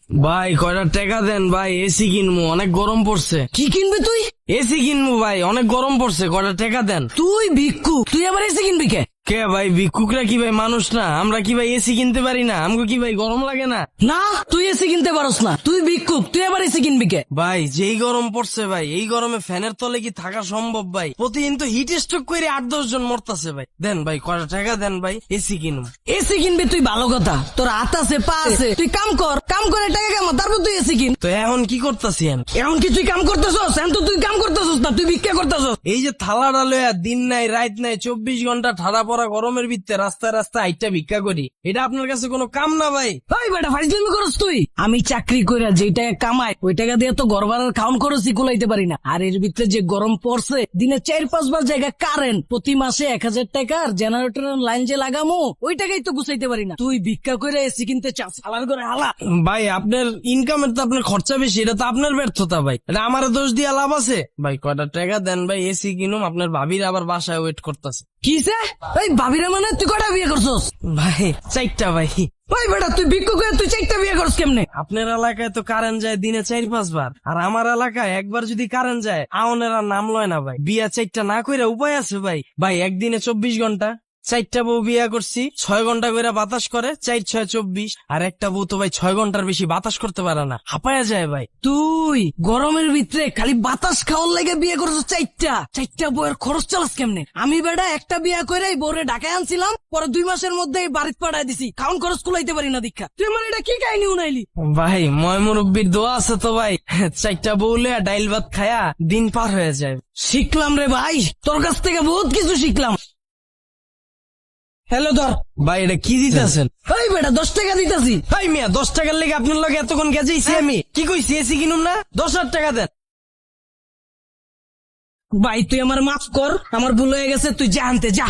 ভাই কয়টা টাকা দেন ভাই, এসি কিনবো, অনেক গরম পড়ছে। কি কিনবি তুই? এসি কিনবো ভাই, অনেক গরম পড়ছে, কয়টা টাকা দেন। তুই ভিক্ষু, তুই আবার এসে কিনবি কে? কে ভাই, ভিক্ষুকরা কি ভাই মানুষ না? আমরা কি ভাই এসি কিনতে পারি না? আমাকে কি ভাই গরম লাগে না? না, তুই এসে কিনতে পারস না, তুই ভিক্ষুক, তুই আবার এসে কিনবি কে? ভাই যেই গরম পড়ছে ভাই, এই গরমে ফ্যানের তলে কি থাকা সম্ভব ভাই? প্রতিদিন তো হিট স্ট্রোক করে 8-10 জন মরতাছে ভাই। দেন ভাই কয়টা টাকা দেন ভাই, এসি কিনুম। এসি কিনবি তুই ভালো কথা, তোর হাত আছে পা আছে, তুই কাম কর, কাম করে টাকা কামা, তারপর তুই এসি কিন। তো এখন কি করতাছি আমি? এখন কি তুই কাম করতেছস? এখন তো তুই কাম করতেছস না, তুই ভিক্ষা করতেছস। এই যে থালাটা লয়া দিন নাই রাত নাই 24 ঘন্টা ঠাড়া পড়া গরমের ভিতরে রাস্তায় রাস্তায় আইটা ভিক্ষা করি, এটা আপনার কাছে কোনো কাম না ভাই? ভাই বেটা ফাইজলামি করস তুই? আমি চাকরি কইরা যেই টাকা কামাই ওই টাকা দিয়ে তো ঘর ভাড়ার খাউন খরচই কুলাইতে পারি না। আর এর ভিতরে যে গরম পড়ছে, দিনে 4-5 বার জায়গা কারেন্ট, প্রতি মাসে 1000 টাকার জেনারেটরের লাইন যে লাগামো ওই টাকাই তো গুছাইতে পারি না। তুই ভিক্ষা কইরা এসি কিনতে চাস, হালার করে হালা। ভাই আপনার ইনকামের তো আপনার খরচা বেশি, এটা তো আপনার ব্যর্থতা ভাই, এটা আমার দোষ দিয়া লাভ আছে ভাই? কয়টা টাকা দেন ভাই, এসি কিনুম। আপনার ভাবির আবার বাসায় ওয়েট করতেছে। কিসে? এই ভাবিরা মানে তুই কটা বিয়ে করছস? ভাই 4টা ভাই। ভাই বেটা তুই ভিক্ষা করে তুই 4টা বিয়ে করছ কেমনে? আপনার এলাকায় তো কারেন্ট যায় দিনে 4-5 বার, আর আমার এলাকায় একবার যদি কারেন্ট যায় আউনের আর নাম লয় না ভাই। বিয়া 4টা না কইরা উপায় আছে ভাই? ভাই একদিনে 24 ঘন্টা, 4টা বউ বিয়া করছি, 6 ঘন্টা করে বাতাস করে, 4-6-24। আর একটা বউ তো ভাই 6 ঘন্টার বেশি বাতাস করতে পারে না, হাঁপায়া যায় ভাই। তুই গরমের ভিতরে খালি বাতাস খাওয়ার লাগে বিয়ে করছো 4টা বইয়ের খরচ চালাস কেমনে? আমি বেটা একটা বিয়ে করে বউরে ঢাকায় আনছিলাম, পরে 2 মাসের মধ্যে বাড়িতে পাঠায় দিছি, খাউন খরচ কুলাইতে পারি না দীক্ষা। তুই আমার এটা কি কাহিনী উনাইলি? ভাই ময় মুরব্বীর দোয়া আছে তো ভাই, 4টা বউ লইয়া ডাইল ভাত খায়া দিন পার হয়ে যায়। শিখলাম রে ভাই, তোর কাছ থেকে বহুত কিছু শিখলাম। হ্যালো ধর। ভাই এটা কি দিতেছেন? এই বেটা 10 টাকা দিতেছি। ভাই মিয়া 10 টাকার লেগে আপনার লগে এতক্ষণ গেছেইছি আমি। কি কইছি এসি কিনুম না? 10,000 টাকা দেন। ভাই তুই আমার মাফ কর, আমার ভুল হয়ে গেছে, তুই যা আনতে যা।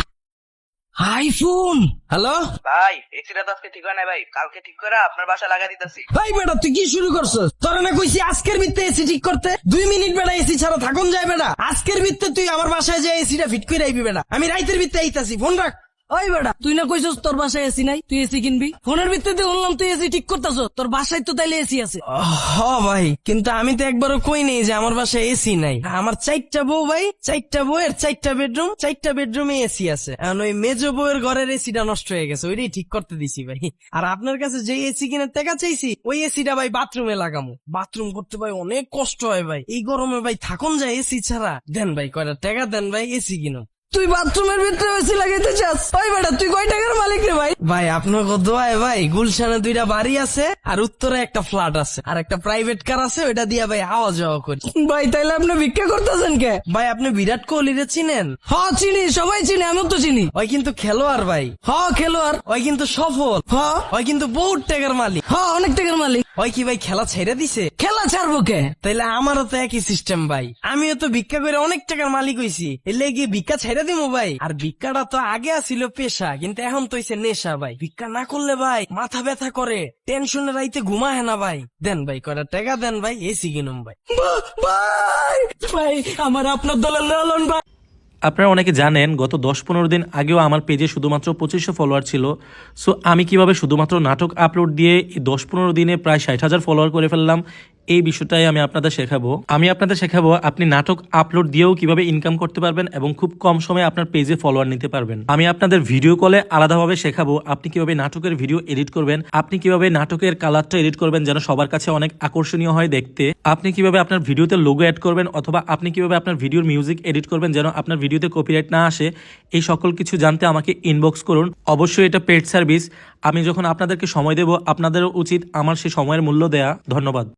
আইফোন। হ্যালো ভাই এসিটা তো আজকে ঠিক হয় না ভাই, কালকে ঠিক করে আপনার বাসা লাগা দিতেছি। ভাই বেটা তুই কি শুরু করছিস? তোরা না কইছি আজকের ভিত্তে এসি ঠিক করতে? 2 মিনিট বেটা এসি ছাড়া থাকুন যায় বেটা? আজকের ভিত্তে তুই আমার বাসায় যে এসিটা ফিট করে আইবি বেটা, আমি রাইতের ভিত্তে আইতাছি। ফোন রাখ। ওই বেটা তুই না কইছস তোর বাসায় এসি নাই, তুই এসি কিনবি? ফোনের ভিত্তিতে বললাম তুই এসি ঠিক করতেছ, তোর বাসায় তো তাইলে এসি আছে। হ ভাই, কিন্তু আমি তো একবারও কই নেই যে আমার বাসায় এসি নাই। আমার 4টা বউ ভাই, 4টা বউয়ের 4টা বেডরুম, 4টা বেডরুমে এসি আছে। এখন ওই মেজো বউয়ের ঘরের এসিটা নষ্ট হয়ে গেছে, ওইটাই ঠিক করতে দিছি ভাই। আর আপনার কাছে যে এসি কিনে টাকা চাইছি ওই এসিটা ভাই বাথরুমে লাগামো। বাথরুম করতে ভাই অনেক কষ্ট হয় ভাই, এই গরমে ভাই থাকুন যায় এসি ছাড়া। দেন ভাই কয়টা টাকা দেন ভাই, এসি কিনো। তুই বাথরুমের ভিতরে এসি লাগাইতে চাস? ওই বেটা তুই কয় টাকার মালিক রে ভাই? ভাই আপনাকে দোয়ায় ভাই গুলশানে 2টা বাড়ি আছে, আর উত্তরে একটা ফ্ল্যাট আছে, আর একটা প্রাইভেট কার আছে, ওইটা দিয়া ভাই আওয়া যাওয়া করি। ভাই তাইলে আপনি ভিক্ষা করতেছেন কে? ভাই আপনি বিরাট কোহলিরে চিনেন? হ চিনি, সবাই চিনি, আমিও তো চিনি। ওই কিন্তু খেলোয়াড় ভাই, হ খেলোয়াড়। ওই কিন্তু সফল, হ ওই কিন্তু বহুত টাকার মালিক। হ অনেক টাকার মালিক। ওই কি ভাই খেলা ছেড়ে দিছে? খেলা ছাড়বো কে? তাইলে আমারও তো একই সিস্টেম ভাই, আমিও তো ভিক্ষা করে অনেক টাকার মালিক হইছি, এলে গিয়ে ভিক্ষা ছেড়ে দিমু ভাই? আর ভিক্ষাটা তো আগে আসিল পেশা, কিন্তু এখন তো হইছে নেশা ভাই। ভিক্ষা না করলে ভাই মাথা ব্যথা করে, টেনশনে রাইতে ঘুমায় না ভাই। দেন ভাই কয়টা টাকা দেন ভাই, এসি কিনুম ভাই। ভাই ভাই আমার আপনার দলের লালন ভাই। আপনারা অনেকে জানেন গত 10-15 দিন আগেও আমার পেজে শুধুমাত্র 2500 ফলোয়ার ছিল। সো আমি কিভাবে শুধুমাত্র নাটক আপলোড দিয়ে এই 10-15 দিনে প্রায় 60,000 ফলোয়ার করে ফেললাম, এই বিষয়টাই আমি আপনাদের শেখাবো। আপনি নাটক আপলোড দিয়েও কিভাবে ইনকাম করতে পারবেন এবং খুব কম সময়ে আপনার পেজে ফলোয়ার নিতে পারবেন। আমি আপনাদের ভিডিও কলে আলাদাভাবে শেখাবো আপনি কিভাবে নাটকের ভিডিও এডিট করবেন, আপনি কিভাবে নাটকের কালারটা এডিট করবেন যেন সবার কাছে অনেক আকর্ষণীয় হয় দেখতে, আপনি কিভাবে আপনার ভিডিওতে লোগো অ্যাড করবেন, অথবা আপনি কিভাবে আপনার ভিডিওর মিউজিক এডিট করবেন যেন আপনার ভিডিওতে কপিরাইট না আসে। এই সকল কিছু জানতে আমাকে ইনবক্স করুন। অবশ্যই এটা পেড সার্ভিস, আমি যখন আপনাদেরকে সময় দেব আপনাদেরও উচিত আমার সেই সময়ের মূল্য দেয়া। ধন্যবাদ।